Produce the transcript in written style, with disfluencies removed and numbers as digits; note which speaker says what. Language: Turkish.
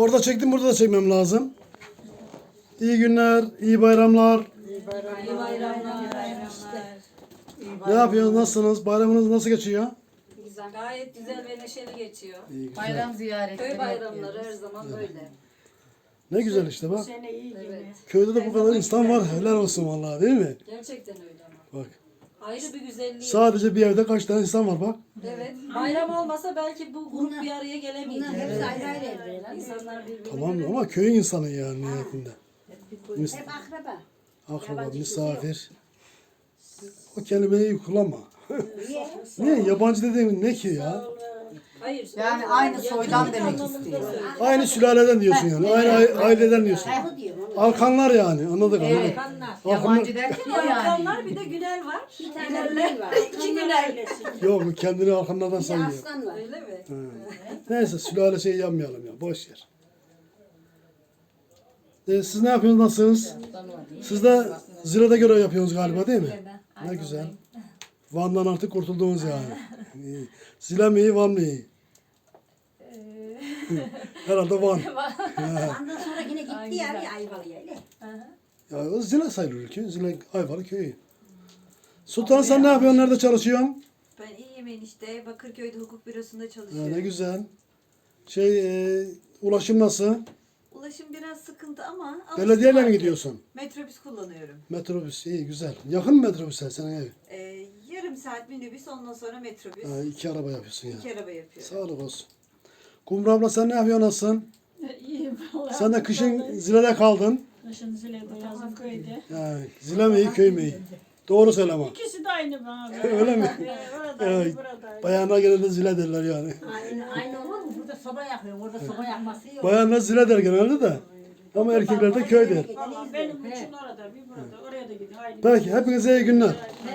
Speaker 1: Orada çektim, burada da çekmem lazım. İyi günler, iyi bayramlar.
Speaker 2: İyi bayramlar.
Speaker 1: Ne yapıyorsunuz, nasılsınız? Bayramınız nasıl geçiyor?
Speaker 2: Güzel, gayet güzel ve neşeli geçiyor.
Speaker 1: İyi, güzel.
Speaker 3: Bayram ziyaretleri
Speaker 2: Köy bayramları
Speaker 3: yapıyoruz.
Speaker 2: her zaman böyle.
Speaker 1: Ne güzel işte bak.
Speaker 4: Sene iyi gibi.
Speaker 2: Evet.
Speaker 1: Köyde de bu kadar insan var. Helal olsun vallahi, değil mi?
Speaker 2: Gerçekten öyle ama.
Speaker 1: Bak.
Speaker 2: Ayrı bir güzelliği.
Speaker 1: Sadece bir evde kaç tane insan var bak.
Speaker 2: Evet. Bayram olmasa belki bu grup bir araya gelemeyecek.
Speaker 5: Bunlar hepsi ayrı ayrı evde.
Speaker 2: İnsanlar birbirini
Speaker 1: Tamam
Speaker 2: göremiyor.
Speaker 1: ama köyün insanı yani niyetinde.
Speaker 5: Hep akraba.
Speaker 1: Akraba,
Speaker 5: Yabancı
Speaker 1: misafir. O kelimeyi kullanma.
Speaker 5: Niye?
Speaker 1: Niye? Yabancı dediğin ne ki ya?
Speaker 2: Hayır.
Speaker 3: Yani
Speaker 2: o-
Speaker 3: aynı
Speaker 2: yakınlık
Speaker 3: soydan demek
Speaker 2: anlamında
Speaker 3: istiyor.
Speaker 2: söylüyorum.
Speaker 1: Aynı sülaleden diyorsun yani. Aynı aileden diyorsun.
Speaker 5: Ayhu diyorum.
Speaker 1: Alkanlar yani. Anladık anladık.
Speaker 3: Evet.
Speaker 1: Alkanlar.
Speaker 3: Yabancı derken
Speaker 2: Bir
Speaker 3: o yani.
Speaker 2: Alkanlar bir de Günel var.
Speaker 5: Bir tane Güney var.
Speaker 2: İki Günel.
Speaker 1: Yok bu kendini Alkanlardan
Speaker 5: Bir de
Speaker 1: sayıyor.
Speaker 5: Aslan var.
Speaker 2: Öyle mi?
Speaker 1: Ha. Neyse sülale şey yapmayalım ya. Boş yer. Siz ne yapıyorsunuz? Nasılsınız? Siz de Zile'de görev yapıyorsunuz galiba değil mi? Ne güzel. Van'dan artık kurtuldunuz yani. İyi. Zile mi iyi, Van mı iyi? Herhalde Van.
Speaker 5: Ondan sonra yine gitti ya bir Ayvalı'ya. öyle.
Speaker 1: Ya o Zile sayılır ki. Zile Ayvalı köyü. Sultan sen ne yapıyorsun? Nerede çalışıyorsun?
Speaker 6: Ben iyiyim enişte. Bakırköy'de hukuk bürosunda
Speaker 1: Ya
Speaker 6: çalışıyorum.
Speaker 1: ne güzel. Ulaşım nasıl?
Speaker 6: Ulaşım biraz sıkıntı ama
Speaker 1: Belediyeyle mi
Speaker 6: alıştım
Speaker 1: gidiyorsun?
Speaker 6: artık. Metrobüs kullanıyorum.
Speaker 1: Metrobüs iyi güzel. Yakın mı metrobüse senin ev?
Speaker 6: Yarım saat minibüs ondan sonra metrobüs.
Speaker 1: Ha, iki araba yapıyorsun ya.
Speaker 6: İki araba yapıyorum.
Speaker 1: Sağlık olsun. Kumru abla sen ne yapıyorsun nasılsın?
Speaker 4: İyi vallahi.
Speaker 1: Sen de kışın Zile'de kaldın.
Speaker 4: Kışın Zile'de, yazın köyde.
Speaker 1: Ha, Zile mi iyi köy mü iyi? Doğru söyle ama.
Speaker 4: İkisi de aynı bana.
Speaker 1: Öyle mi?
Speaker 4: Oradaydı,
Speaker 1: Evet.
Speaker 4: buradaydı.
Speaker 1: Bayanlar genelde Zile derler yani.
Speaker 5: Aynı olur mu? Burada soba yakıyor. Orada soba yakması yok.
Speaker 1: Bayanlar Zile der genelde de. Ama erkekler de köy der.
Speaker 4: Valla benim için orada, bir burada. Oraya da gidiyor. Aynı.
Speaker 1: Peki hepinize iyi günler.